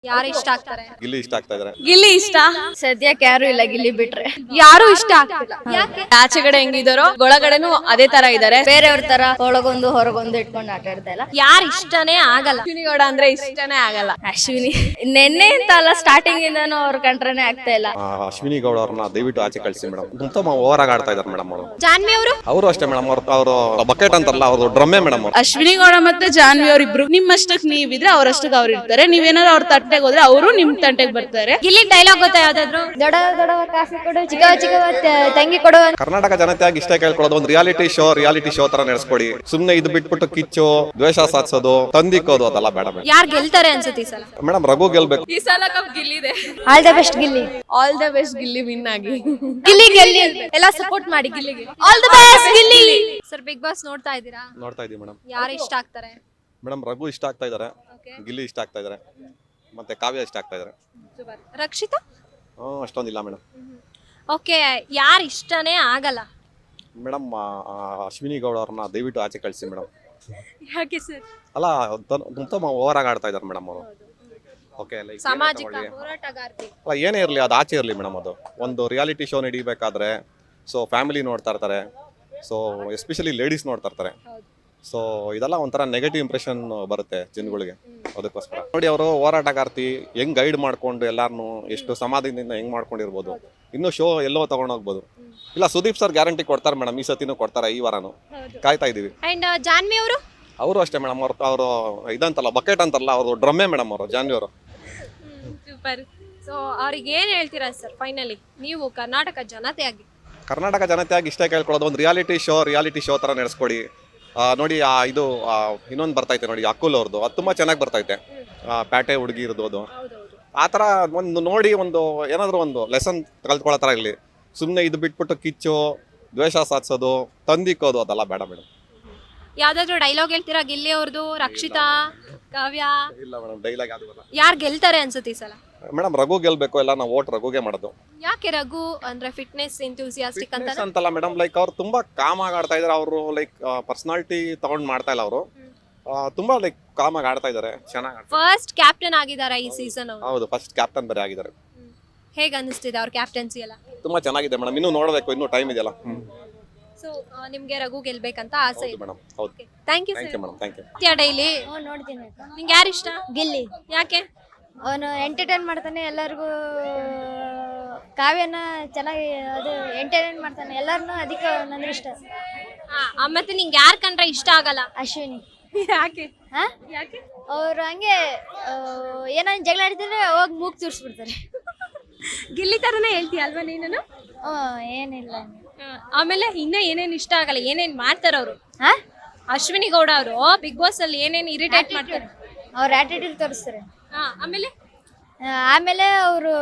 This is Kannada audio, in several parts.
ಯಾರು ಇಷ್ಟ ಆಗ್ತಾರೆ? ಗಿಲ್ಲಿ ಇಷ್ಟ ಆಗ್ತಾ ಇದಾರೆ. ಗಿಲ್ಲಿ ಇಷ್ಟ. ಸದ್ಯಕ್ಕೆ ಯಾರು ಇಲ್ಲ ಗಿಲ್ಲಿ ಬಿಟ್ರೆ. ಯಾರು ಇಷ್ಟ ಆಗ್ತಿಲ್ಲ. ಯಾಕೆ? ಆಚೆಗಡೆ ಹೆಂಗಿದಾರೋ ಒಳಗಡೆನು ಅದೇ ತರ ಇದಾರೆ. ಬೇರೆಯವ್ರ ತರ ಒಳಗೊಂದು ಹೊರಗೊಂದು ಇಟ್ಕೊಂಡು ಆಟ ಆಡ್ತಾ ಇಲ್ಲ. ಯಾರು ಇಷ್ಟನೇ ಆಗಲ್ಲ. ಅಶ್ವಿನಿ ಗೌಡ ಅಂದ್ರೆ ಇಷ್ಟನೇ ಆಗಲ್ಲ. ಅಶ್ವಿನಿ ನೆನ್ನೆ ಅಂತ ಅಲ್ಲ, ಸ್ಟಾರ್ಟಿಂಗ್ ಇಂದಾನು ಅವ್ರ ಕಂಡ್ರೇನೆ ಆಗ್ತಾ ಇಲ್ಲ. ಅಶ್ವಿನಿ ಗೌಡ ಅವ್ರನ್ನ ದಯವಿಟ್ಟು ಆಚೆ ಕಳಿಸಿ ಮೇಡಮ್. ತುಂಬ ಓವರ್ ಆಗಿ ಆಡ್ತಾ ಇದಾರೆ ಮೇಡಮ್ ಅವರು. ಜಾನ್ವಿ ಅವರು ಅಷ್ಟೇ ಮೇಡಮ್. ಅವರು ಬಕೆಟ್ ಅಂತಾರಲ್ಲ, ಅವ್ರದ್ದು ಡ್ರಮ್ಮೆ ಮೇಡಮ್ ಅವರು. ಅಶ್ವಿನಿ ಗೌಡ ಮತ್ತೆ ಜಾನ್ವಿ ಅವ್ರಿಬ್ರು ನಿಮ್ಮಷ್ಟಕ್ಕೆ ನೀವಿದ್ರೆ ಅವ್ರಷ್ಟಕ್ಕೆ ಅವ್ರು ಇರ್ತಾರೆ. ನೀವೇನಾದ್ರು ಅವ್ರ ತಂಟೆಗೆ ಹೋದ್ರೆ ಅವರು ನಿಮ್ ತಂಟೆಗೆ ಬರ್ತಾರೆ. ಗಿಲ್ಲಿ ಡೈಲಾಗ್ ಗೊತ್ತಾ ಯಾವ್ದಾದ್ರು? ದೊಡ್ಡ ದೊಡ್ಡ ಕಾಫಿ ಕೊಡು, ಚಿಕ್ಕ ಚಿಕ್ಕ ತಂಗಿ ಕೊಡು. ಕರ್ನಾಟಕ ಜನತೆಯಾಗಿ ಇಷ್ಟ ಕೇಳ್ಕೊಳ್ಳೋದು, ಒಂದು ರಿಯಾಲಿಟಿ ಶೋ ತರ ನಡೆಸ್ಕೊಡಿ. ಸುಮ್ನೆ ಇದು ಬಿಟ್ಬಿಟ್ಟು ಕಿಚ್ಚು, ದ್ವೇಷ ಸಾಧಿಸೋದು, ತಂದಿಕ್ಕೋದು ಅದೆಲ್ಲ ಬೇಡ ಮೇಡಮ್. ಯಾರು ಗೆಲ್ತಾರೆ ಅನ್ಸುತ್ತೆ ಈ ಸಲ? ಮೇಡಮ್ ರಘು ಗೆಲ್ಬೇಕು. ಈ ಸಲ ಕಪ್ ಗಿಲ್ಲಿದೆ. All the best Gilli. All the best Gilli win ಆಗಿ. ಗಿಲ್ಲಿ ಗೆಲ್ಲಿ ಎಲ್ಲ ಸಪೋರ್ಟ್ ಮಾಡಿ ಗಿಲ್ಲಿಗೆ. All the best Gilli. Sir Bigg Boss ನೋಡ್ತಾ ಇದ್ದೀರಾ? ನೋಡ್ತಾ ಇದೀವಿ ಮೇಡಮ್. ಯಾರು ಇಷ್ಟ ಆಗ್ತಾರೆ? ಮೇಡಮ್ ರಘು ಇಷ್ಟ ಆಗ್ತಾ ಇದಾರೆ, ಗಿಲ್ಲಿ ಇಷ್ಟ ಆಗ್ತಾ ಇದಾರೆ, ಮತ್ತೆ ಕಾವ್ಯ ಇಷ್ಟ ಆಗ್ತಾ ಇದಾರೆ. ರಕ್ಷಿತಾ ಅಷ್ಟೊಂದಿಲ್ಲ ಮೇಡಮ್. ಓಕೆ, ಯಾರು ಇಷ್ಟನೇ ಆಗಲ್ಲ? ಮೇಡಮ್ ಅಶ್ವಿನಿ ಗೌಡ ಅವ್ರನ್ನ ದಯವಿಟ್ಟು ಆಚೆ ಕಳಿಸಿ ಮೇಡಮ್. ಯಾಕೆ ಸರ್? ಅಲ್ಲ ತುಂಬ ಓವರ್ ಆಗಿ ಆಡ್ತಾ ಇದಾರೆ ಮೇಡಮ್ ಅವರು. ಓಕೆ, ಸಾಮಾಜಿಕ ಹೋರಾಟಗಾರ್ತಿ ಅಲ್ಲ ಏನೇ ಇರಲಿ ಅದು ಆಚೆ ಇರಲಿ ಮೇಡಮ್. ಅದು ಒಂದು ರಿಯಾಲಿಟಿ ಶೋ ನಡೀಬೇಕಾದ್ರೆ ಸೊ ಫ್ಯಾಮಿಲಿ ನೋಡ್ತಾ ಇರ್ತಾರೆ, ಸೊ ಎಸ್ಪೆಷಲಿ ಲೇಡೀಸ್ ನೋಡ್ತಾ ಇರ್ತಾರೆ. ಸೊ ಇದೆಲ್ಲ ಒಂಥರ ನೆಗೆಟಿವ್ ಇಂಪ್ರೆಷನ್ ಬರುತ್ತೆ ಜನಗಳಿಗೆ. ಅದಕ್ಕೋಸ್ಕರ ನೋಡಿ, ಅವರು ಹೋರಾಟಗಾರ್ತಿ ಹೆಂಗ್ ಗೈಡ್ ಮಾಡ್ಕೊಂಡು ಎಲ್ಲಾರನು ಎಷ್ಟು ಸಮಾಧಾನದಿಂದ ಹೆಂಗ್ ಮಾಡ್ಕೊಂಡಿರ್ಬೋದು. ಇನ್ನು ಶೋ ಎಲ್ಲೋ ತಗೊಂಡೋಗ್ಬೋದು. ಇಲ್ಲ ಸುದೀಪ್ ಸರ್ ಗ್ಯಾರಂಟಿ ಕೊಡ್ತಾರೆ ಮೇಡಮ್, ಈ ಸತಿನೂ ಕೊಡ್ತಾರೆ. ಈ ವಾರನು ಕಾಯ್ತಾ ಇದೀವಿ. ಅಂಡ್ ಜಾನ್ವಿ ಅವರು ಅಷ್ಟೇ ಮೇಡಮ್. ಅವರು ಇದಂತಲ್ಲ ಬಕೆಟ್ ಅಂತಲ್ಲ, ಅವ್ರದ್ದು ಡ್ರಮ್ಮೆ ಮೇಡಮ್ ಅವರು, ಜಾನ್ವಿ ಅವರು. ಸೂಪರ್. ಸೊ ಅವ್ರಿಗೆ ಏನ್ ಹೇಳ್ತೀರಾ ಸರ್ ಫೈನಲಿ ನೀವು ಕರ್ನಾಟಕ ಜನತೆಯಾಗಿ ಇಷ್ಟ ಕೇಳ್ಕೊಳ್ಳೋದು, ಒಂದು ರಿಯಾಲಿಟಿ ಶೋ ತರ ನಡೆಸ್ಕೊಡಿ. ನೋಡಿ ಇದು ಇನ್ನೊಂದು ಬರ್ತೈತೆ ನೋಡಿ, ಅಕುಲ್ ಅವ್ರದ್ದು, ಅದು ತುಂಬ ಚೆನ್ನಾಗಿ ಬರ್ತೈತೆ. ಪ್ಯಾಟೆ ಹುಡುಗಿ ಇರ್ಬೋದು, ಆ ಥರ ಒಂದು ನೋಡಿ, ಒಂದು ಏನಾದರೂ ಒಂದು ಲೆಸನ್ ಕಲ್ತ್ಕೊಳ್ಳೋ ಥರ ಇರಲಿ. ಸುಮ್ಮನೆ ಇದು ಬಿಟ್ಬಿಟ್ಟು ಕಿಚ್ಚು, ದ್ವೇಷ ಸಾಧಿಸೋದು, ತಂದಿಕ್ಕೋದು ಅದೆಲ್ಲ ಬೇಡ ಮೇಡಮ್. ಯಾವ್ದಾದ್ರು ಡೈಲಾಗ್ ಹೇಳ್ತೀರಾ? ಗಿಲ್ಲಿ ಅವ್ರದ್ದು, ರಕ್ಷಿತಾ, ಕಾವ್ಯ? ಇಲ್ಲ ಮೇಡಮ್, ಡೈಲಾಗ್ ಯಾವ್ದು ಬರಲ್ಲ. ಯಾರು ಗೆಲ್ತಾರೆ ಅನ್ಸುತ್ತೆ ಈ ಸಲ? ಮೇಡಮ್ ರಘು ಗೆಲ್ಬೇಕು. ಎಲ್ಲ ನಾವು ಓಟ್ ರಘುಗೆ ಮಾಡೋದು. ಯಾಕೆ ರಘು ಅಂದ್ರೆ ಫಿಟ್ನೆಸ್ ಎಂಥೂಸಿಯಾಸ್ಟಿಕ್ ಅಂತಲ್ಲ ಮೇಡಮ್. ಲೈಕ್ ಅವ್ರು ತುಂಬಾ ಕಾಮ್ ಆಗಿ ಆಡ್ತಾ ಇದಾರೆ. ಅವರು ಲೈಕ್ ಪರ್ಸನಾಲಿಟಿ ತಗೊಂಡ್ ಮಾಡ್ತಾ ಇಲ್ಲ. ಅವರು ತುಂಬಾ ಲೈಕ್ ಕಾಮ್ ಆಗಿ ಆಡ್ತಾ ಇದಾರೆ, ಚೆನ್ನಾಗಿ. ಫಸ್ಟ್ ಕ್ಯಾಪ್ಟನ್ ಆಗಿದ್ದಾರೆ ಈ ಸೀಸನ್ ಅವರು. ಹೌದು, ಫಸ್ಟ್ ಕ್ಯಾಪ್ಟನ್ ಬೇರೆ ಆಗಿದ್ದಾರೆ. ಹೇಗೆ ಅನಿಸ್ತಿದೆ ಅವ್ರ ಕ್ಯಾಪ್ಟನ್ಸಿ ಎಲ್ಲ? ತುಂಬಾ ಚೆನ್ನಾಗಿದೆ ಮೇಡಮ್. ಇನ್ನೂ ನೋಡಬೇಕು, ಇನ್ನೂ ಟೈಮ್ ಇದೆಯಲ್ಲ. ಸೊ ನಿಮ್ಗೆ ರಘು ಗೆಲ್ಬೇಕಂತ ಆಸೆ ಇದೆ ಮೇಡಮ್. ಹೌದು, thank you thank you madam. Thank you. Daily ನೋಡ್ತೀನಿ. ನಿಂಗೆ ಯಾರು ಇಷ್ಟ? ಗಿಲ್ಲಿ. ಯಾಕೆ? ಅವನು ಎಂಟರ್ಟೈನ್ ಮಾಡ್ತಾನೆ ಎಲ್ಲರಿಗೂ. ಕಾವ್ಯನ ಚೆನ್ನಾಗಿ ಅದು ಎಂಟರ್ಟೈನ್ ಮಾಡ್ತಾನೆ ಎಲ್ಲರನ್ನೂ. ಅದಕ್ಕೆ ನನಗೆ ಇಷ್ಟ. ಮತ್ತೆ ನಿಂಗೆ ಯಾರು ಕಂಡ್ರೆ ಇಷ್ಟ ಆಗಲ್ಲ? ಅಶ್ವಿನಿ. ಯಾಕೆ? ಯಾಕೆ? ಅವ್ರು ಹಂಗೆ ಏನಾದ್ರು ಜಗಳ ಆಡ್ತಿದ್ರೆ ಹೋಗಿ ಮೂಗ್ ತೋರಿಸ್ಬಿಡ್ತಾರೆ. ಗಿಲ್ಲಿ ತರನೇ ಹೇಳ್ತೀಯ ಅಲ್ವಾ ನೀನು? ಏನಿಲ್ಲ. ಆಮೇಲೆ ಇನ್ನ ಏನೇನ್ ಇಷ್ಟ ಆಗಲ್ಲ? ಏನೇನ್ ಮಾಡ್ತಾರ ಅವರು? ಅಶ್ವಿನಿ ಗೌಡ ಅವರು ಬಿಗ್ ಬಾಸ್ ಅಲ್ಲಿ ಏನೇನ್ ಇರಿಟೇಟ್ ಮಾಡ್ತಾರೆ? ಅವ್ರ ಆಟಿಟ್ಯೂಡ್ ತೋರಿಸ್ತಾರೆ. ಆಮೇಲೆ ಅವರು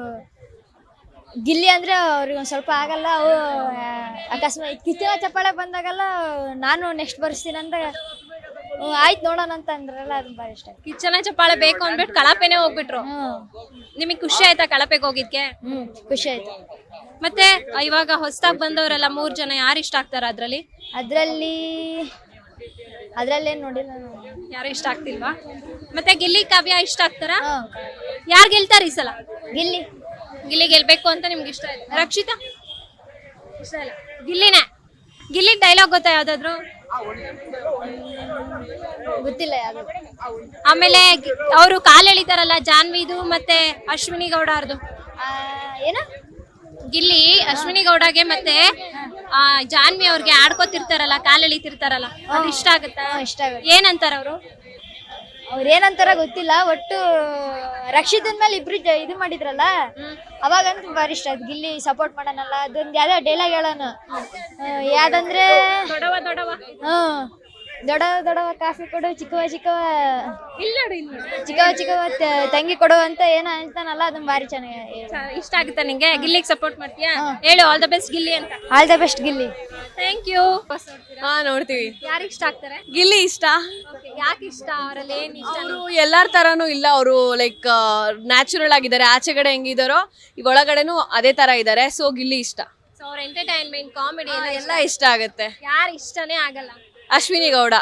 ಗಿಲ್ಲಿ ಅಂದ್ರೆ ಅವ್ರಿಗೆ ಒಂದು ಸ್ವಲ್ಪ ಆಗಲ್ಲ. ಅವು ಅಕಸ್ಮಾತ್ ಕಿಚ್ಚನ ಚಪ್ಪಾಳೆ ಬಂದಾಗಲ್ಲ ನಾನು ನೆಕ್ಸ್ಟ್ ಬರ್ಸ್ತೀನಿ ಅಂತ ಆಯ್ತು ನೋಡೋಣ ಅಂತ ಅಂದ್ರಲ್ಲ, ಅದು ಭಾಳ ಇಷ್ಟ. ಕಿಚ್ಚನ ಚಪ್ಪಾಳೆ ಬೇಕು ಅಂದ್ಬಿಟ್ಟು ಕಳಪೆನೆ ಹೋಗ್ಬಿಟ್ರು. ನಿಮಗೆ ಖುಷಿ ಆಯ್ತಾ ಕಳಪೆಗೆ ಹೋಗಿದ್ಕೆ? ಖುಷಿ ಆಯ್ತು. ಮತ್ತೆ ಇವಾಗ ಹೊಸದಾಗಿ ಬಂದವರೆಲ್ಲ 3 ಜನ ಯಾರು ಇಷ್ಟ ಆಗ್ತಾರ ಅದ್ರಲ್ಲೇನು ನೋಡಿಲ್ಲ. ಯಾರು ಇಷ್ಟ ಆಗ್ತಿಲ್ವಾ? ಮತ್ತೆ ಗಿಲ್ಲಿ ಕಾವ್ಯ ಇಷ್ಟ ಆಗ್ತಾರ? ಯಾರು ಗೆಲ್ತಾರ ಈ ಸಲ? ಗಿಲ್ಲಿ ಗೆಲ್ಬೇಕು ಅಂತ ನಿಮ್ಗೆ ಇಷ್ಟ ಇದೆ. ರಕ್ಷಿತಾ ಇಷ್ಟ ಇಲ್ಲ? ಗಿಲ್ಲಿ ಡೈಲಾಗ್ ಗೊತ್ತಾ ಯಾವ್ದಾದ್ರು? ಗೊತ್ತಿಲ್ಲ ಯಾವ್ದು. ಆಮೇಲೆ ಅವರು ಕಾಲ್ ಎಳಿತಾರಲ್ಲ ಜಾನ್ವಿದು ಮತ್ತೆ ಅಶ್ವಿನಿ ಗೌಡ ಅವ್ರದ್ದು. ಏನ? ಗಿಲ್ಲಿ ಅಶ್ವಿನಿ ಗೌಡಗೆ ಮತ್ತೆ ಜಾನ್ವಿ ಅವ್ರಿಗೆ ಆಡ್ಕೋತಿರ್ತಾರಲ್ಲ, ಕಾಲ್ ಎಳಿತಿರ್ತಾರಲ್ಲ, ಅದು ಇಷ್ಟ ಆಗುತ್ತಾ? ಇಷ್ಟ ಆಗುತ್ತೆ. ಏನಂತಾರ ಅವರು? ಅವ್ರು ಏನಂತಾರ ಗೊತ್ತಿಲ್ಲ. ಒಟ್ಟು ರಕ್ಷಿತನ್ ಮೇಲೆ ಇಬ್ರು ಇದು ಮಾಡಿದ್ರಲ್ಲ, ಅವಾಗಂತೂ ಭಾರಿ ಇಷ್ಟ ಆಯ್ತು. ಗಿಲ್ಲಿ ಸಪೋರ್ಟ್ ಮಾಡೋಣಲ್ಲ. ಅದೊಂದು ಯಾವ್ದೋ ಡೈಲಾಗ್ ಹೇಳೋಣ, ಯಾವ್ದಂದ್ರೆ ದೊಡ್ಡ ಕಾಫಿ ಕೊಡು, ಚಿಕ್ಕವ ತಂಗಿ ಕೊಡು ಅಂತ ಏನೋ ಅಂತಾನಲ್ಲ, ಅದನ್ನ ಭಾರಿ ಚೆನ್ನಾಗಿ ಇಷ್ಟ ಆಗುತ್ತಾ ನಿಂಗೆ? ಗಿಲ್ಲಿಗೆ ಸಪೋರ್ಟ್ ಮಾಡ್ತೀಯಾ? ಹೇಳು ಆಲ್ ದ ಬೆಸ್ಟ್ ಗಿಲ್ಲಿ ಅಂತ. All the best Gilli. Thank you. ನೋಡ್ತೀವಿ. ಯಾರು ಇಷ್ಟ ಆಗ್ತಾರೆ? ಗಿಲ್ಲಿ ಇಷ್ಟ. ಯಾಕೆ ಇಷ್ಟ? ಅವರಲ್ಲಿ ಏನ್ ಇಷ್ಟ? ಅವರು ಎಲ್ಲಾರ ತರಾನು ಇಲ್ಲ. ಅವರು ಲೈಕ್ ನ್ಯಾಚುರಲ್ ಆಗಿದ್ದಾರೆ. ಆಚೆಗಡೆ ಹೆಂಗಿದಾರೋ ಈಗ ಒಳಗಡೆನು ಅದೇ ತರ ಇದಾರೆ. ಸೊ ಗಿಲ್ಲಿ ಇಷ್ಟ. ಸೊ ಅವ್ರ ಎಂಟರ್ಟೈನ್ಮೆಂಟ್, ಕಾಮಿಡಿ ಎಲ್ಲ ಇಷ್ಟ ಆಗುತ್ತೆ. ಯಾರು ಇಷ್ಟನೇ ಆಗಲ್ಲ? ಅಶ್ವಿನಿ ಗೌಡ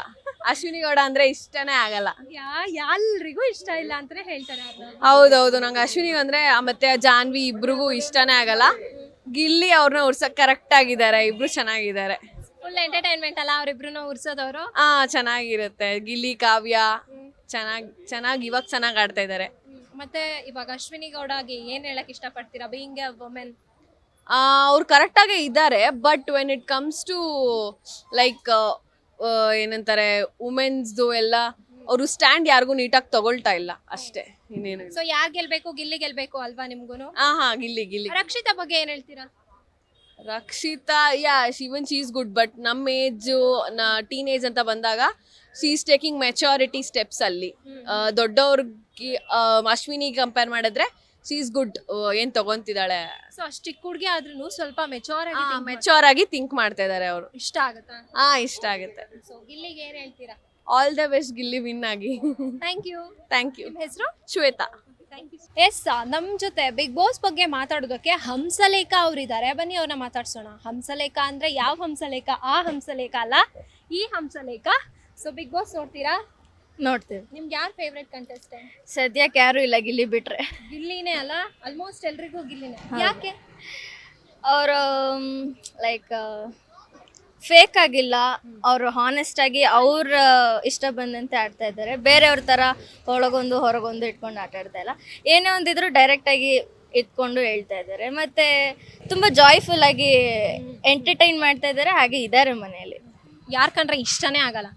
ಅಶ್ವಿನಿ ಗೌಡ ಅಂದ್ರೆ ಇಷ್ಟನೇ ಆಗಲ್ಲ. ಎಲ್ರಿಗೂ ಇಷ್ಟ ಇಲ್ಲ ಅಂತಾನೆ ಹೇಳ್ತಾರೆ ಅವ್ರನ್ನ. ಹೌದೌದು, ನಂಗೆ ಅಶ್ವಿನಿ ಅಂದ್ರೆ ಮತ್ತೆ ಜಾನ್ವಿ ಇಬ್ರಿಗೂ ಇಷ್ಟನೇ ಆಗಲ್ಲ. ಗಿಲ್ಲಿ ಅವ್ರನ್ನ ಉರ್ಸಕ್ ಕರೆಕ್ಟ್ ಆಗಿದ್ದಾರೆ, ಇಬ್ರು ಚೆನ್ನಾಗಿದ್ದಾರೆ. ಫುಲ್ ಎಂಟರ್ಟೈನ್ಮೆಂಟ್ ಅಲ್ಲ ಅವ್ರಿಬ್ರು ಉರ್ಸೋದವ್ರು. ಚೆನ್ನಾಗಿರುತ್ತೆ. ಗಿಲ್ಲಿ ಕಾವ್ಯ ಚೆನ್ನಾಗಿ ಇವಾಗ ಚೆನ್ನಾಗಿ ಆಡ್ತಾ ಇದ್ದಾರೆ. ಮತ್ತೆ ಇವಾಗ ಅಶ್ವಿನಿ ಗೌಡಗೆ ಏನ್ ಹೇಳಕ್ ಇಷ್ಟಪಡ್ತೀರಾ ಬೀಯಿಂಗ್ ಎ ವುಮೆನ್? ಅವ್ರು ಕರೆಕ್ಟಾಗೇ ಇದ್ದಾರೆ, but when it comes to like ಏನಂತಾರೆ ವುಮೆನ್ಸ್ದು ಎಲ್ಲ ಅವರು ಸ್ಟ್ಯಾಂಡ್ ಯಾರಿಗೂ ನೀಟಾಗಿ ತಗೊಳ್ತಾ ಇಲ್ಲ ಅಷ್ಟೇ, ಇನ್ನೇನು. ಸೊ ಯಾರ್ ಗೆಲ್ಬೇಕು? ಗಿಲ್ಲಿ ಗೆಲ್ಬೇಕು ಅಲ್ವಾ ನಿಮ್ಗೂನು? ಗಿಲ್ಲಿ. ರಕ್ಷಿತಾ ಬಗ್ಗೆ ಏನ್ ಹೇಳ್ತೀರಾ? Rakshita even she is good, but ನಮ್ಮ ಏಜು ಟೀನೇಜ್ ಅಂತ ಬಂದಾಗ she is taking maturity steps ಅಲ್ಲಿ. ದೊಡ್ಡವ್ರಿಗೆ ಅಶ್ವಿನಿ ಕಂಪೇರ್ ಮಾಡಿದ್ರೆ ಶಿ ಈಸ್ ಗುಡ್, ಏನ್ ತಗೊಂತಿದ್ದಾಳೆ. ಸೊ ಅಷ್ಟ್ ಚಿಕ್ಕ ಹುಡುಗಿ ಆದ್ರೂ ಸ್ವಲ್ಪ ಮೆಚೂರ್ ಆಗಿ ಥಿಂಕ್ ಮಾಡ್ತಾ ಇದಾರೆ ಅವರು. ಇಷ್ಟ ಆಗುತ್ತಾ? ಇಷ್ಟ ಆಗುತ್ತೆ. ಸೊ ಗಿಲ್ಲಿಗೆ ಏನ್ ಹೇಳ್ತೀರಾ? All the best Gilli win ಆಗಿ. Thank you. ನಿಮ್ಮ ಹೆಸರು? ಶ್ವೇತಾ. ಎಸ್, ನಮ್ ಜೊತೆ ಬಿಗ್ ಬಾಸ್ ಬಗ್ಗೆ ಮಾತಾಡೋದಕ್ಕೆ ಹಂಸಲೇಖ ಅವರಿದ್ದಾರೆ. ಬನ್ನಿ ಅವ್ರನ್ನ ಮಾತಾಡ್ಸೋಣ. ಹಂಸಲೇಖ ಅಂದ್ರೆ ಯಾವ ಹಂಸಲೇಖ? ಆ ಹಂಸಲೇಖ ಅಲ್ಲ, ಈ ಹಂಸಲೇಖ. ಸೊ ಬಿಗ್ ಬಾಸ್ ನೋಡ್ತೀರಾ? ನೋಡ್ತೀವಿ. ನಿಮ್ಗೆ ಯಾರು ಫೇವ್ರೆಟ್ ಕಂಟೆಸ್ಟೆಂಟ್? ಸದ್ಯಕ್ಕೆ ಯಾರು ಇಲ್ಲ, ಗಿಲ್ಲಿ ಬಿಟ್ರೆ. ಗಿಲ್ಲಿನೇ ಅಲ್ಲ, ಆಲ್ಮೋಸ್ಟ್ ಎಲ್ರಿಗೂ ಗಿಲ್ಲಿನೇ. ಯಾಕೆ? ಅವರು ಲೈಕ್ ಫೇಕ್ ಆಗಿಲ್ಲ, ಅವರು ಹಾನೆಸ್ಟ್ ಆಗಿ ಅವ್ರ ಇಷ್ಟ ಬಂದಂತೆ ಆಡ್ತಾ ಇದ್ದಾರೆ. ಬೇರೆಯವ್ರ ಥರ ಒಳಗೊಂದು ಹೊರಗೊಂದು ಇಟ್ಕೊಂಡು ಆಟ ಆಡ್ತಾ ಇಲ್ಲ. ಏನೇ ಒಂದಿದ್ರು ಡೈರೆಕ್ಟಾಗಿ ಇಟ್ಕೊಂಡು ಹೇಳ್ತಾ ಇದ್ದಾರೆ. ಮತ್ತು ತುಂಬ ಜಾಯ್ಫುಲ್ ಆಗಿ ಎಂಟರ್ಟೈನ್ ಮಾಡ್ತಾ ಇದ್ದಾರೆ. ಹಾಗೆ ಇದ್ದಾರೆ ಮನೆಯಲ್ಲಿ. ಯಾರು ಕಂಡ್ರೆ ಇಷ್ಟನೇ ಆಗಲ್ಲ?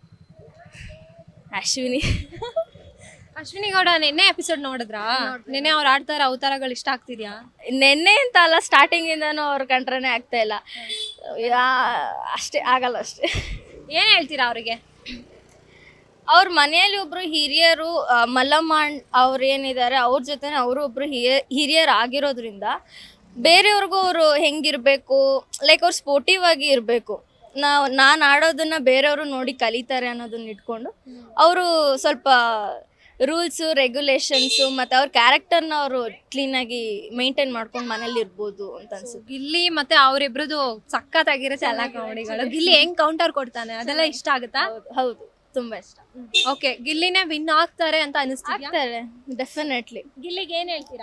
ಅಶ್ವಿನಿ ಗೌಡ ನಿನ್ನೆ ಎಪಿಸೋಡ್ ನೋಡಿದ್ರಾ? ನಿನ್ನೆ ಅವ್ರು ಆಡ್ತಾರ ಅವತಾರಗಳು ಇಷ್ಟ ಆಗ್ತಿದ್ಯಾ? ನೆನ್ನೆ ಅಂತ ಅಲ್ಲ, ಸ್ಟಾರ್ಟಿಂಗಿಂದನೂ ಅವ್ರ ಕಂಡ್ರನೇ ಆಗ್ತಾ ಇಲ್ಲ. ಅಷ್ಟೇ ಆಗಲ್ಲ ಅಷ್ಟೇ. ಏನ್ ಹೇಳ್ತೀರಾ ಅವ್ರಿಗೆ? ಅವ್ರ ಮನೆಯಲ್ಲಿ ಒಬ್ರು ಹಿರಿಯರು, ಮಲ್ಲಮ್ಮ ಅವ್ರು ಏನಿದ್ದಾರೆ ಅವ್ರ ಜೊತೆ ಅವರು ಒಬ್ರು ಹಿರಿಯರು ಆಗಿರೋದ್ರಿಂದ ಬೇರೆಯವ್ರಿಗೂ ಅವರು ಹೆಂಗಿರ್ಬೇಕು, ಲೈಕ್ ಅವ್ರು ಸ್ಪೋರ್ಟಿವ್ ಆಗಿ ಇರಬೇಕು. ನಾನು ಆಡೋದನ್ನ ಬೇರೆಯವರು ನೋಡಿ ಕಲಿತಾರೆ ಅನ್ನೋದನ್ನ ಇಟ್ಕೊಂಡು ಅವರು ಸ್ವಲ್ಪ ರೂಲ್ಸು ರೆಗ್ಯುಲೇಷನ್ಸು ಮತ್ತು ಅವ್ರ ಕ್ಯಾರೆಕ್ಟರ್ನ ಅವರು ಕ್ಲೀನಾಗಿ ಮೇಂಟೈನ್ ಮಾಡ್ಕೊಂಡು ಮನೇಲಿ ಇರ್ಬೋದು ಅಂತ ಅನ್ಸುತ್ತೆ. ಗಿಲ್ಲಿ ಮತ್ತೆ ಅವರಿಬ್ರದ್ದು ಸಖತ್ತಾಗಿರೋ ಎಲ್ಲ ಕಾಮಿಡಿಗಳು. ಗಿಲ್ಲಿ ಹೆಂಗ್ ಕೌಂಟರ್ ಕೊಡ್ತಾನೆ ಅದೆಲ್ಲ ಇಷ್ಟ ಆಗುತ್ತಾ? ಹೌದು, ತುಂಬಾ ಇಷ್ಟ. ಓಕೆ, ಗಿಲ್ಲಿನೇ ವಿನ್ ಆಗ್ತಾರೆ ಅಂತ ಅನಿಸ್ತಾರೆ? ಡೆಫಿನೆಟ್ಲಿ. ಗಿಲ್ಲಿಗೆ ಏನ್ ಹೇಳ್ತೀರಾ?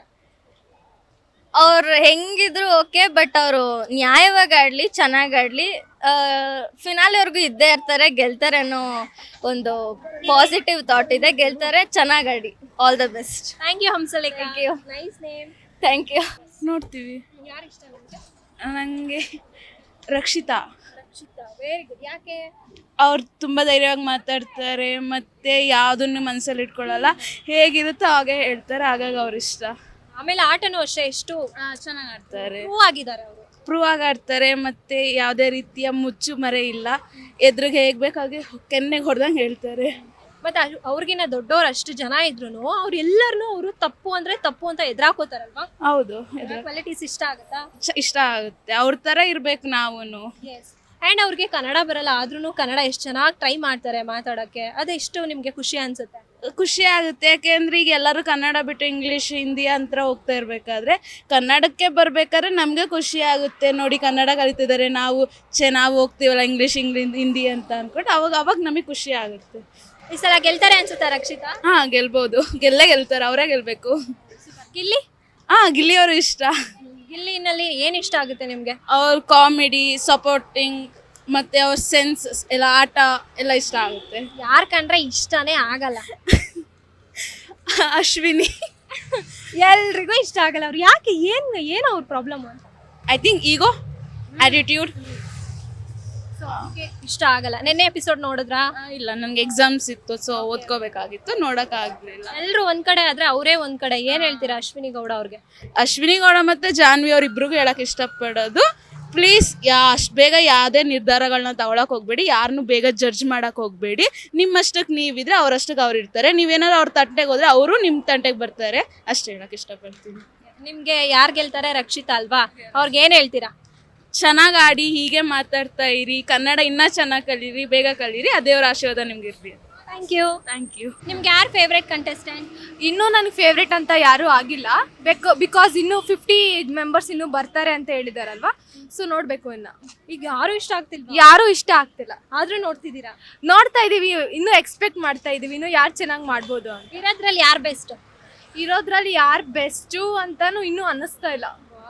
ಅವ್ರು ಹೆಂಗಿದ್ರು ಓಕೆ, ಬಟ್ ಅವರು ನ್ಯಾಯವಾಗಿ ಆಡಲಿ, ಚೆನ್ನಾಗಿ ಆಡಲಿ, ಫಿನಾಲೆವರೆಗೂ ಇದ್ದೇ ಇರ್ತಾರೆ, ಗೆಲ್ತಾರೆ ಅನ್ನೋ ಒಂದು ಪಾಸಿಟಿವ್ ಥಾಟ್ ಇದೆ. ಗೆಲ್ತಾರೆ, ಚೆನ್ನಾಗಿ ಆಡಿ. All the best. Thank you Hamsalekha. Thank you. Nice name. Thank you. ನೋಡ್ತೀವಿ. ಯಾರು ಇಷ್ಟ ನಿಮಗೆ? ನನಗೆ ರಕ್ಷಿತಾ. Rakshita, very good. ಯಾಕೆ? ಅವ್ರು ತುಂಬ ಧೈರ್ಯವಾಗಿ ಮಾತಾಡ್ತಾರೆ, ಮತ್ತು ಯಾವುದನ್ನು ಮನಸ್ಸಲ್ಲಿ ಇಟ್ಕೊಳ್ಳಲ್ಲ, ಹೇಗಿರುತ್ತೋ ಹಾಗೆ ಹೇಳ್ತಾರೆ, ಹಾಗಾಗಿ ಅವ್ರು ಇಷ್ಟ. ಆಮೇಲೆ ಆಟನೂ ಅಷ್ಟೇ ಎಷ್ಟು ಚೆನ್ನಾಗಿ ಆಡ್ತಾರೆ, ಪ್ರೂವ್ ಆಗಿದ್ದಾರೆ ಅವರು. ಪ್ರೂವ್ ಆಗಿ ಆಡ್ತಾರೆ, ಮತ್ತು ಯಾವುದೇ ರೀತಿಯ ಮುಚ್ಚು ಮರೆ ಇಲ್ಲ, ಎದುರಿಗೆ ಹೇಗೆ ಬೇಕಾಗಿ ಕೆನ್ನೆಗೆ ಹೊಡೆದಂಗೆ ಹೇಳ್ತಾರೆ. ಮತ್ತೆ ಅವ್ರಿಗಿನ್ನ ದೊಡ್ಡವ್ರು ಅಷ್ಟು ಜನ ಇದ್ರು ಅವ್ರು ಎಲ್ಲರನ್ನೂ ಅವರು ತಪ್ಪು ಅಂದ್ರೆ ತಪ್ಪು ಅಂತ ಎದುರಾಕೋತಾರಲ್ವಾ? ಹೌದು, ಕ್ವಾಲಿಟೀಸ್ ಇಷ್ಟ ಆಗುತ್ತಾ? ಇಷ್ಟ ಆಗುತ್ತೆ. ಅವ್ರ ಥರ ಇರಬೇಕು ನಾವು. ಆ್ಯಂಡ್ ಅವ್ರಿಗೆ ಕನ್ನಡ ಬರಲ್ಲ, ಆದ್ರೂ ಕನ್ನಡ ಎಷ್ಟು ಚೆನ್ನಾಗಿ ಟ್ರೈ ಮಾಡ್ತಾರೆ ಮಾತಾಡೋಕ್ಕೆ. ಅದೆಷ್ಟು ನಿಮಗೆ ಖುಷಿ ಅನ್ಸುತ್ತೆ? ಖುಷಿ ಆಗುತ್ತೆ, ಯಾಕೆಂದ್ರೆ ಈಗ ಎಲ್ಲರೂ ಕನ್ನಡ ಬಿಟ್ಟು ಇಂಗ್ಲೀಷ್, ಹಿಂದಿ ಅಂತ ಹೋಗ್ತಾ ಇರಬೇಕಾದ್ರೆ ಕನ್ನಡಕ್ಕೆ ಬರಬೇಕಾದ್ರೆ ನಮಗೆ ಖುಷಿ ಆಗುತ್ತೆ. ನೋಡಿ, ಕನ್ನಡ ಕಲಿತಿದ್ದಾರೆ, ನಾವು ಹೋಗ್ತೀವಲ್ಲ ಇಂಗ್ಲೀಷ್ ಹಿಂದಿ ಅಂತ ಅಂದ್ಕೊಂಡು ಅವಾಗ ನಮಗೆ ಖುಷಿ ಆಗುತ್ತೆ. ಈ ಸಲ ಗೆಲ್ತಾರೆ ಅನ್ಸುತ್ತಾ ರಕ್ಷಿತಾ? ಗೆಲ್ಬೋದು, ಗೆಲ್ತಾರೆ, ಅವರೇ ಗೆಲ್ಬೇಕು. ಗಿಲ್ಲಿ? ಗಿಲ್ಲಿ ಅವರು ಇಷ್ಟ. ಗಿಲ್ಲಿನಲ್ಲಿ ಏನು ಇಷ್ಟ ಆಗುತ್ತೆ ನಿಮಗೆ? ಅವ್ರ ಕಾಮಿಡಿ, ಸಪೋರ್ಟಿಂಗ್, ಮತ್ತೆ ಅವ್ರ ಸೆನ್ಸ್ ಎಲ್ಲ, ಆಟ ಎಲ್ಲ ಇಷ್ಟ ಆಗುತ್ತೆ. ಯಾರು ಕಂಡ್ರೆ ಇಷ್ಟನೇ ಆಗಲ್ಲ? ಅಶ್ವಿನಿ. ಎಲ್ರಿಗೂ ಇಷ್ಟ ಆಗಲ್ಲ ಅವ್ರು. ಯಾಕೆ? ಏನು ಅವ್ರ ಪ್ರಾಬ್ಲಮ್ ಅಂತ? I think ego, attitude. ಇಷ್ಟ ಆಗಲ್ಲ. ನಿನ್ನೆ ಎಪಿಸೋಡ್ ನೋಡಿದ್ರಾ? ಇಲ್ಲ, ನನಗೆ ಎಕ್ಸಾಮ್ಸ್ ಇತ್ತು, ಸೊ ಓದ್ಕೋಬೇಕಾಗಿತ್ತು, ನೋಡೋಕ್ಕಾಗಲಿಲ್ಲ. ಎಲ್ಲರೂ ಒಂದ್ ಕಡೆ ಆದ್ರೆ ಅವರೇ ಒಂದ್ ಕಡೆ. ಏನ್ ಹೇಳ್ತೀರಾ ಅಶ್ವಿನಿ ಗೌಡ ಅವ್ರಿಗೆ? ಅಶ್ವಿನಿ ಗೌಡ ಮತ್ತು ಜಾನ್ವಿ ಅವ್ರಿಬ್ರಿಗೂ ಹೇಳಕ್ಕೆ ಇಷ್ಟಪಡೋದು, ಪ್ಲೀಸ್ ಅಷ್ಟು ಬೇಗ ಯಾವುದೇ ನಿರ್ಧಾರಗಳನ್ನ ತಗೊಳಕ್ಕೆ ಹೋಗಬೇಡಿ, ಯಾರನ್ನೂ ಬೇಗ ಜಡ್ಜ್ ಮಾಡೋಕ್ಕೆ ಹೋಗಬೇಡಿ. ನಿಮ್ಮಷ್ಟಕ್ಕೆ ನೀವಿದ್ರೆ ಅವರಷ್ಟಕ್ಕೆ ಅವ್ರು ಇರ್ತಾರೆ. ನೀವೇನಾದ್ರು ಅವ್ರ ತಂಟೆಗೆ ಹೋದರೆ ಅವರು ನಿಮ್ಮ ತಂಟೆಗೆ ಬರ್ತಾರೆ. ಅಷ್ಟು ಹೇಳಕ್ಕೆ ಇಷ್ಟಪಡ್ತೀನಿ. ನಿಮಗೆ ಯಾರು ಗೆಲ್ತಾರೆ? ರಕ್ಷಿತಾ ಅಲ್ವಾ? ಅವ್ರಿಗೆ ಏನು ಹೇಳ್ತೀರಾ? ಚೆನ್ನಾಗಿ ಆಡಿ, ಹೀಗೆ ಮಾತಾಡ್ತಾ ಇರಿ, ಕನ್ನಡ ಇನ್ನೂ ಚೆನ್ನಾಗಿ ಕಲೀರಿ, ಬೇಗ ಕಲೀರಿ, ಆ ದೇವರ ಆಶೀರ್ವಾದ ನಿಮ್ಗೆ ಇರಲಿ. Thank you. ನಿಮ್ಗೆ ಯಾರು ಫೇವ್ರೆಟ್ ಕಂಟೆಸ್ಟೆಂಟ್? ಇನ್ನೂ ನನಗೆ ಫೇವ್ರೇಟ್ ಅಂತ ಯಾರೂ ಆಗಿಲ್ಲ. ಬಿಕಾಸ್ ಇನ್ನೂ 50 ಮೆಂಬರ್ಸ್ ಇನ್ನೂ ಬರ್ತಾರೆ ಅಂತ ಹೇಳಿದಾರಲ್ವಾ, ಸೊ ನೋಡಬೇಕು. ಈಗ ಯಾರು ಇಷ್ಟ ಆಗ್ತಿಲ್ಲ, ಯಾರೂ ಇಷ್ಟ ಆಗ್ತಿಲ್ಲ, ಆದ್ರೂ ನೋಡ್ತಿದ್ದೀರಾ? ನೋಡ್ತಾ ಇದೀವಿ, ಇನ್ನೂ ಎಕ್ಸ್ಪೆಕ್ಟ್ ಮಾಡ್ತಾ ಇದೀವಿ ಇನ್ನೂ ಯಾರು ಚೆನ್ನಾಗಿ ಮಾಡ್ಬೋದು ಅಂತ. ಇರೋದ್ರಲ್ಲಿ ಯಾರು ಬೆಸ್ಟ್? ಇರೋದ್ರಲ್ಲಿ ಯಾರು ಬೆಸ್ಟು ಅಂತಾನು ಇನ್ನೂ ಅನ್ನಿಸ್ತಾ ಇಲ್ಲ.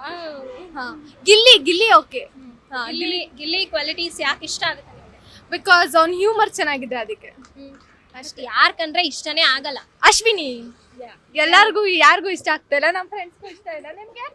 ಗಿಲ್ಲಿ ಓಕೆ. ಗಿಲ್ಲಿ ಕ್ವಾಲಿಟೀಸ್ ಯಾಕೆ ಇಷ್ಟ ಆಗುತ್ತೆ? ಬಿಕಾಸ್ ಅವ್ನ ಹ್ಯೂಮರ್ ಚೆನ್ನಾಗಿದೆ, ಅದಕ್ಕೆ ಅಷ್ಟೇ. ಯಾರ್ ಕಂಡ್ರೆ ಇಷ್ಟನೇ ಆಗಲ್ಲ? ಅಶ್ವಿನಿ ಎಲ್ಲಾರ್ಗೂ ಯಾರಿಗೂ ಇಷ್ಟ ಆಗ್ತಾ ಇಲ್ಲ, ನಮ್ಮ ಫ್ರೆಂಡ್ಸ್ಗೂ ಇಷ್ಟ ಇಲ್ಲ. ನಿಮ್ಗೆ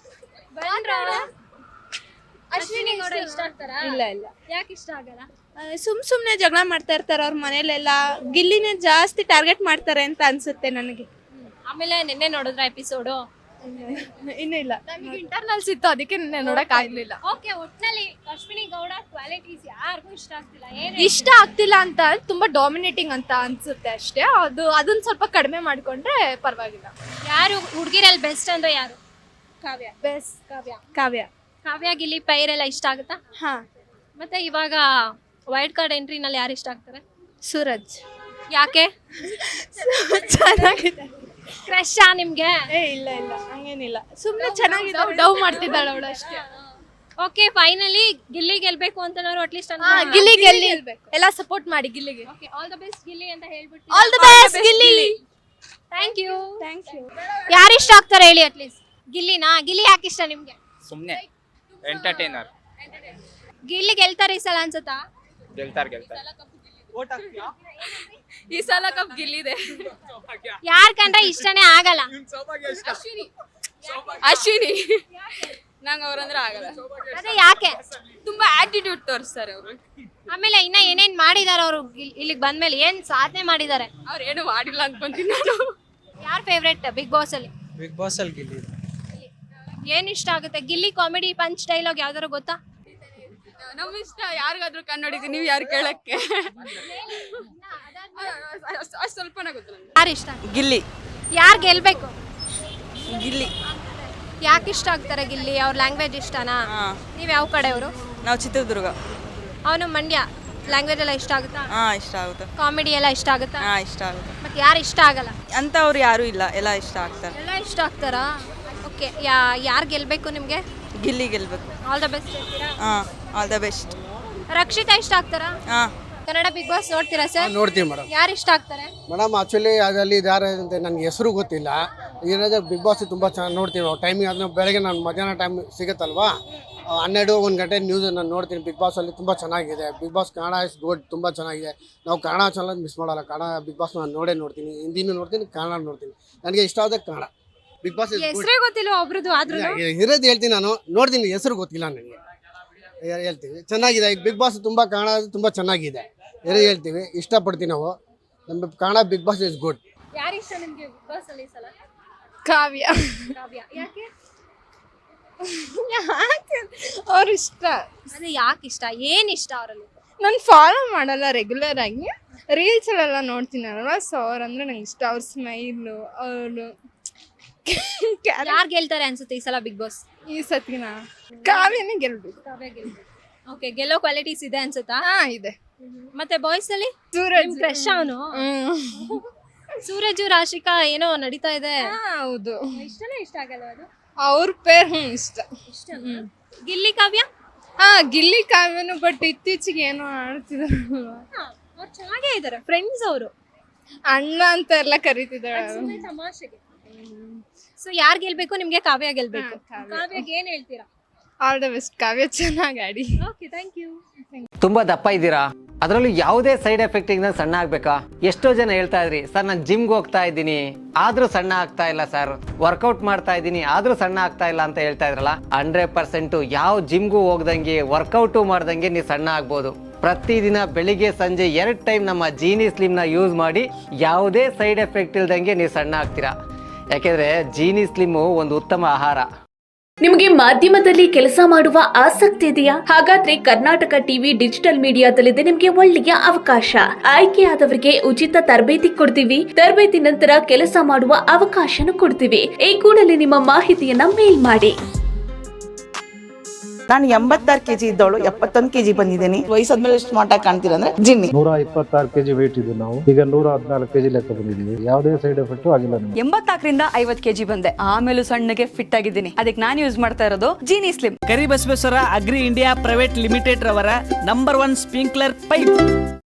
ಅಶ್ವಿನಿ ಗೌಡ ಇಷ್ಟ ಆಗ್ತಾರಾ? ಇಲ್ಲ. ಯಾಕೆ ಇಷ್ಟ ಆಗಲ್ಲ? ಸುಮ್ನೆ ಜಗಳ ಮಾಡ್ತಾ ಇರ್ತಾರೆ ಅವ್ರ ಮನೇಲೆಲ್ಲ. ಗಿಲ್ಲಿನೇ ಜಾಸ್ತಿ ಟಾರ್ಗೆಟ್ ಮಾಡ್ತಾರೆ ಅಂತ ಅನ್ಸುತ್ತೆ ನನಗೆ. ಆಮೇಲೆ ನಿನ್ನೆ ನೋಡಿದ್ರ ಎಪಿಸೋಡು? ಇನ್ನೂ ಇಲ್ಲ, ನಮಗೆ ಇಂಟರ್ನಲ್ಸ್ ಇತ್ತು, ಅದಕ್ಕೆ ನೋಡಕ್ ಆಗ್ಲಿಲ್ಲ. ಓಕೆ, ಒಟ್ನಲ್ಲಿ ಅಶ್ವಿನಿ ಗೌಡ ಕ್ವಾಲಿಟೀಸ್ ಯಾರಿಗೂ ಇಷ್ಟ ಆಗ್ತಿಲ್ಲ. ಇಷ್ಟ ಆಗ್ತಿಲ್ಲ ಅಂತ ತುಂಬಾ ಡಾಮಿನೇಟಿಂಗ್ ಅಂತ ಅನ್ಸುತ್ತೆ ಅಷ್ಟೇ. ಅದನ್ನ ಸ್ವಲ್ಪ ಕಡಿಮೆ ಮಾಡ್ಕೊಂಡ್ರೆ ಪರವಾಗಿಲ್ಲ. ಯಾರು ಹುಡುಗಿರಲ್ಲಿ ಬೆಸ್ಟ್ ಅಂದ್ರೆ ಯಾರು? ಕಾವ್ಯ ಬೆಸ್ಟ್. ಕಾವ್ಯ ಗಿಲ್ಲಿ ಪೈರೆಲ್ಲ ಇಷ್ಟ ಆಗುತ್ತಾ? ಹಾ. ಮತ್ತೆ ಇವಾಗ ವೈಲ್ಡ್ ಕಾರ್ಡ್ ಎಂಟ್ರಿನಲ್ಲಿ ಯಾರು ಇಷ್ಟ ಆಗ್ತಾರೆ? ಸೂರಜ್. ಯಾಕೆ? ಚೆನ್ನಾಗಿದೆ. ಕ್ರಶಾ ನಿಮ್ಗೆ? ಇಲ್ಲ ಹಂಗೇನಿಲ್ಲ, ಸುಮ್ಮನೆ ಚೆನ್ನಾಗಿದೆ. ಡವ್ ಮಾಡ್ತಿದ್ದಾಳೆ ಅವಳು ಅಷ್ಟೇ. ಓಕೆ, ಫೈನಲಿ ಗಿಲ್ಲಿ ಗೆಲ್ಬೇಕು ಅಂತ ಅಟ್ಲೀಸ್ಟ್ ಗಿಲ್ಲಿ ಎಲ್ಲ ಸಪೋರ್ಟ್ ಮಾಡಿ ಗಿಲ್ಲಿಗೆ. Okay, all the best Gilli ಅಂತ ಹೇಳ್ಬಿಟ್ಟು. All the best Gilli. Thank you. ಯಾರು ಇಷ್ಟ ಆಗ್ತಾರೆ ಹೇಳಿ ಅಟ್ಲೀಸ್ಟ್? ಗಿಲ್ಲಿನಾ? ಗಿಲ್ಲಿ ಯಾಕೆ ಇಷ್ಟ ನಿಮ್ಗೆ? ಸುಮ್ಮನೆ ಎಂಟರ್ಟೈನರ್. ಗಿಲ್ಲಿ ಗೆಲ್ತಾರೆ ಈ ಸಲ ಅನ್ಸುತ್ತಾ? ಗೆಲ್ತಾರೆ. ಈ ಸಲ ಕಪ್ ಗಿಲ್ಲಿದೆ. ಯಾರ್ ಕಂಡ್ರೆ ಇಷ್ಟನೇ ಆಗಲ್ಲ? ಅಶ್ವಿನಿ ನಂಗೆ ಅವ್ರಂದ್ರೆ ಆಗಲ್ಲ. ಅದೇ ಯಾಕೆ? ತುಂಬಾ ಆಟಿಟ್ಯೂಡ್ ತೋರಿಸ್ತಾರೆ ಅವರು. ಆಮೇಲೆ ಇನ್ನ ಏನೇನ್ ಮಾಡಿದಾರೆ ಅವರು ಇಲ್ಲಿಗೆ ಬಂದ್ಮೇಲೆ? ಏನ್ ಸಾಧನೆ ಮಾಡಿದ್ದಾರೆ? ಅವ್ರು ಏನು ಮಾಡಿಲ್ಲ ಅನ್ಕೊಂತೀನಿ ನಾನು. ಯಾರ್ ಫೇವ್ರೆಟ್ ಬಿಗ್ ಬಾಸ್ ಅಲ್ಲಿ? ಬಿಗ್ ಬಾಸ್ ಅಲ್ಲಿ ಗಿಲ್ಲಿ. ಏನ್ ಇಷ್ಟ ಆಗುತ್ತೆ? ಗಿಲ್ಲಿ ಕಾಮಿಡಿ ಪಂಚ್ ಡೈಲಾಗ್ ಯಾವ್ದಾರು ಗೊತ್ತಾ? ನಮ್ ಇಷ್ಟ ಯಾರಿಗಾದ್ರೂ ಕನ್ನಡಿಗೆ, ನೀವು ಯಾರು ಕೇಳಕ್ಕೆ? ಅಷ್ಟು ಸ್ವಲ್ಪನೇ ಗೊತ್ತು ನನಗೆ. ಯಾರು ಇಷ್ಟ? ಗಿಲ್ಲಿ. ಯಾರು ಗೆಲ್ಬೇಕು? ಗಿಲ್ಲಿ. ಯಾಕೆ ಇಷ್ಟ ಆಗ್ತಾರೆ ಗಿಲ್ಲಿ? ಅವ್ರ ಲ್ಯಾಂಗ್ವೇಜ್ ಇಷ್ಟನಾ? ನೀವ್ ಯಾವ ಕಡೆಯವರು? ನಾವು ಚಿತ್ರದುರ್ಗ. ಅವನು ಮಂಡ್ಯ. ಲ್ಯಾಂಗ್ವೇಜ್ ಎಲ್ಲ ಇಷ್ಟ ಆಗುತ್ತಾ? ಇಷ್ಟ ಆಗುತ್ತೆ. ಕಾಮಿಡಿ ಎಲ್ಲ ಇಷ್ಟ ಆಗುತ್ತಾ? ಇಷ್ಟ ಆಗುತ್ತೆ. ಮತ್ತೆ ಯಾರು ಇಷ್ಟ ಆಗಲ್ಲ ಅಂತ ಅವ್ರು ಯಾರು ಇಲ್ಲ, ಎಲ್ಲ ಇಷ್ಟ ಆಗ್ತಾರೆ. ಎಲ್ಲ ಇಷ್ಟ ಆಗ್ತಾರಾ? ಓಕೆ, ಯಾರು ಗೆಲ್ಬೇಕು ನಿಮ್ಗೆ? ಗಿಲ್ಲಿ ಗೆಲ್ಬೇಕು. ಆಲ್ ದ ಬೆಸ್ಟ್ ಹೇಳ್ತೀರಾ? All the best. ರಕ್ಷಿತಾ ಇಷ್ಟ ಆಗ್ತಾರಾ? ಕನ್ನಡ ಬಿಗ್ ಬಾಸ್ ನೋಡ್ತೀರಾ ಸರ್? ನೋಡ್ತೀವಿ ಮೇಡಮ್. ಯಾರು ಇಷ್ಟ ಆಗ್ತಾರೆ ಮೇಡಮ್ ಆ್ಯಕ್ಚುಲಿ ಅದರಲ್ಲಿ ಯಾರು ಅಂತ ನನಗೆ ಹೆಸರು ಗೊತ್ತಿಲ್ಲ. ಏನಾದರೂ ಬಿಗ್ ಬಾಸ್ ತುಂಬ ಚೆನ್ನಾಗಿ ನೋಡ್ತೀವಿ ನಾವು. ಟೈಮಿಂಗ್ ಅದನ್ನ ಬೆಳಗ್ಗೆ ನಾನು ಮಧ್ಯಾಹ್ನ ಟೈಮ್ ಸಿಗುತ್ತಲ್ವಾ, 12-1 ಗಂಟೆ ನ್ಯೂಸ್ ನಾನು ನೋಡ್ತೀನಿ. ಬಿಗ್ ಬಾಸಲ್ಲಿ ತುಂಬ ಚೆನ್ನಾಗಿದೆ. Bigg Boss Kannada is good, ತುಂಬ ಚೆನ್ನಾಗಿದೆ. ನಾವು ಕನ್ನಡ ಚಾನಲ್ ಮಿಸ್ ಮಾಡಲ್ಲ. ಕನ್ನಡ ಬಿಗ್ ಬಾಸ್ ನಾನು ನೋಡ್ತೀನಿ, ಹಿಂದಿನೂ ನೋಡ್ತೀನಿ, ಕನ್ನಡ ನೋಡ್ತೀನಿ. ನನಗೆ ಇಷ್ಟ ಆದ Kannada Bigg Boss is good. ಹೆಸರೇ ಗೊತ್ತಿಲ್ಲ ಒಬ್ರದ್ದು, ಆದ್ರೂ ಇರೋದು ಹೇಳ್ತೀನಿ, ನಾನು ನೋಡ್ತೀನಿ, ಹೆಸರು ಗೊತ್ತಿಲ್ಲ ನನಗೆ. ಹೇಳ್ತೀವಿ ಚೆನ್ನಾಗಿದೆ. ಈಗ ಬಿಗ್ ಬಾಸ್ ತುಂಬ ಕನ್ನಡ ತುಂಬ ಚೆನ್ನಾಗಿದೆ, ಹೇಳ್ತೀವಿ, ಇಷ್ಟಪಡ್ತೀವಿ ನಾವು. ನಮ್ಮ Kannada Bigg Boss is good. ಯಾರು ಇಷ್ಟ ನಿಮ್ಗೆ ಬಿಗ್ ಬಾಸ್ ಅಲ್ಲಿ ಈ ಸಲ? ಕಾವ್ಯ. ಯಾಕೆ? ಅವ್ರು ಇಷ್ಟ. ಅದೇ ಯಾಕೆ ಇಷ್ಟ? ಏನ್ ಇಷ್ಟ ಅವರಲ್ಲಿ? ನಾನು ಫಾಲೋ ಮಾಡಲ್ಲ ರೆಗ್ಯುಲರ್ ಆಗಿ, ರೀಲ್ಸಲ್ಲೆಲ್ಲ ನೋಡ್ತೀನಿ ಅಲ್ವಾ, ಸೊ ಅವ್ರಂದ್ರೆ ನಂಗೆ ಇಷ್ಟ. ಅವ್ರ ಸ್ಮೈಲು, ಅವರು. ಯಾರು ಗೆಲ್ತಾರೆ ಅನ್ಸುತ್ತೆ ಈ ಸಲ ಬಿಗ್ ಬಾಸ್? ಈ ಸತಿನ ಕಾವ್ಯನೇ ಗೆಲ್ಬೇಕು. ಓಕೆ, ಗೆಲ್ಲೋ ಕ್ವಾಲಿಟೀಸ್ ಇದೆ ಅನ್ಸುತ್ತಾ? ಇದೆ. ಮತ್ತೆ ಬಾಯ್ಸ್ ಅಲ್ಲಿ ಸೂರಜ್ ಫ್ರೆಶ್ ಅವನು. ಸೂರಜ್ ರಾಶಿಕಾ ಏನೋ ನಡೀತಾ ಇದೆ. ಹೌದು. ಇಷ್ಟನೇ ಇಷ್ಟ ಆಗಲ್ಲ ಅದು? ಅವ್ರ ಪೇರ್ ಇಷ್ಟ. ಗಿಲ್ಲಿ ಕಾವ್ಯ? ಗಿಲ್ಲಿ ಕಾವ್ಯನು, ಬಟ್ ಇತ್ತೀಚೆಗೆ ಏನೋ ಆಡ್ತಿದಾರೆ. ಅವ್ರು ಚೆನ್ನಾಗೇ ಇದಾರೆ, ಫ್ರೆಂಡ್ಸ್ ಅವರು. ಅಣ್ಣ ಅಂತ ಎಲ್ಲ ಕರೀತಿದ್ದಾಳೆ ತಮಾಷೆಗೆ. ಸೊ ಯಾರು ಗೆಲ್ಬೇಕು ನಿಮ್ಗೆ? ಕಾವ್ಯ ಗೆಲ್ಬೇಕು. ಕಾವ್ಯಗೆ ಏನ್ ಹೇಳ್ತೀರಾ? All the best. ಕಾವ್ಯ ಚೆನ್ನಾಗಿ ಆಡಿ. Okay, thank you. ತುಂಬಾ ದಪ್ಪ ಇದ್ದೀರಾ, ಅದರಲ್ಲೂ ಯಾವುದೇ ಸೈಡ್ ಎಫೆಕ್ಟ್ ಇಂದ ಸಣ್ಣ ಆಗ್ಬೇಕಾ? ಎಷ್ಟೋ ಜನ ಹೇಳ್ತಾ ಇದ್ರಿ, ಸರ್ ನಾನು ಜಿಮ್ಗೆ ಹೋಗ್ತಾ ಇದ್ದೀನಿ ಆದ್ರೂ ಸಣ್ಣ ಆಗ್ತಾ ಇಲ್ಲ ಸರ್, ವರ್ಕೌಟ್ ಮಾಡ್ತಾ ಇದ್ದೀನಿ ಆದ್ರೂ ಸಣ್ಣ ಆಗ್ತಾ ಇಲ್ಲ ಅಂತ ಹೇಳ್ತಾ ಇದ್ರಲ್ಲ. 100% ಯಾವ ಜಿಮ್ಗೂ ಹೋಗ್ದಂಗೆ ವರ್ಕೌಟು ಮಾಡ್ದಂಗೆ ನೀವು ಸಣ್ಣ ಆಗ್ಬೋದು. ಪ್ರತಿದಿನ ಬೆಳಿಗ್ಗೆ ಸಂಜೆ 2 ಟೈಮ್ ನಮ್ಮ ಜೀನಿ ಸ್ಲಿಮ್ನ ಯೂಸ್ ಮಾಡಿ ಯಾವುದೇ ಸೈಡ್ ಎಫೆಕ್ಟ್ ಇಲ್ದಂಗೆ ನೀವು ಸಣ್ಣ ಆಗ್ತೀರಾ. ಯಾಕೆಂದ್ರೆ ಜೀನಿ ಸ್ಲಿಮ್ಮು ಒಂದು ಉತ್ತಮ ಆಹಾರ. ನಿಮಗೆ ಮಾಧ್ಯಮದಲ್ಲಿ ಕೆಲಸ ಮಾಡುವ ಆಸಕ್ತಿ ಇದೆಯಾ? ಹಾಗಾದ್ರೆ ಕರ್ನಾಟಕ ಟಿವಿ ಡಿಜಿಟಲ್ ಮೀಡಿಯಾದಲ್ಲಿದೆ ನಿಮಗೆ ಒಳ್ಳೆಯ ಅವಕಾಶ. ಆಯ್ಕೆಯಾದವರಿಗೆ ಉಚಿತ ತರಬೇತಿ ಕೊಡ್ತೀವಿ. ತರಬೇತಿ ನಂತರ ಕೆಲಸ ಮಾಡುವ ಅವಕಾಶನೂ ಕೊಡ್ತೀವಿ. ಈ ಕೂಡಲೇ ನಿಮ್ಮ ಮಾಹಿತಿಯನ್ನ ಮೇಲ್ ಮಾಡಿ. ನಾನು 86 kg ಇದ್ದವಳು 71 kg ಬಂದಿದ್ದೀನಿ. ವಯಸ್ಸಾದ್ಮೇಲೆ ಸ್ಮಾರ್ಟ್ ಆಗಿ ಕಾಣ್ತೀರಾ ಅಂದ್ರೆ ಜಿನ್ನಿ. 126 kg ವೇಟ್ ಇದ್ದು ನಾವು ಈಗ 114 kg ಲೆಕ್ಕ ಬಂದಿದ್ದೀವಿ. ಯಾವುದೇ ಸೈಡ್ ಎಫೆಕ್ಟ್ ಆಗಿಲ್ಲ ನಮಗೆ. 84ರಿಂದ 50 kg ಬಂದೆ, ಆಮೇಲೂ ಸಣ್ಣಗೆ ಫಿಟ್ ಆಗಿದ್ದೀನಿ. ಅದಕ್ಕೆ ನಾನು ಯೂಸ್ ಮಾಡ್ತಾ ಇರೋದು Genie Slim. Karibasaveshwara agri India private limited ರವರ ನಂಬರ್ 1 ಸ್ಪ್ರಿಂಕ್ಲರ್ ಪೈಪ್.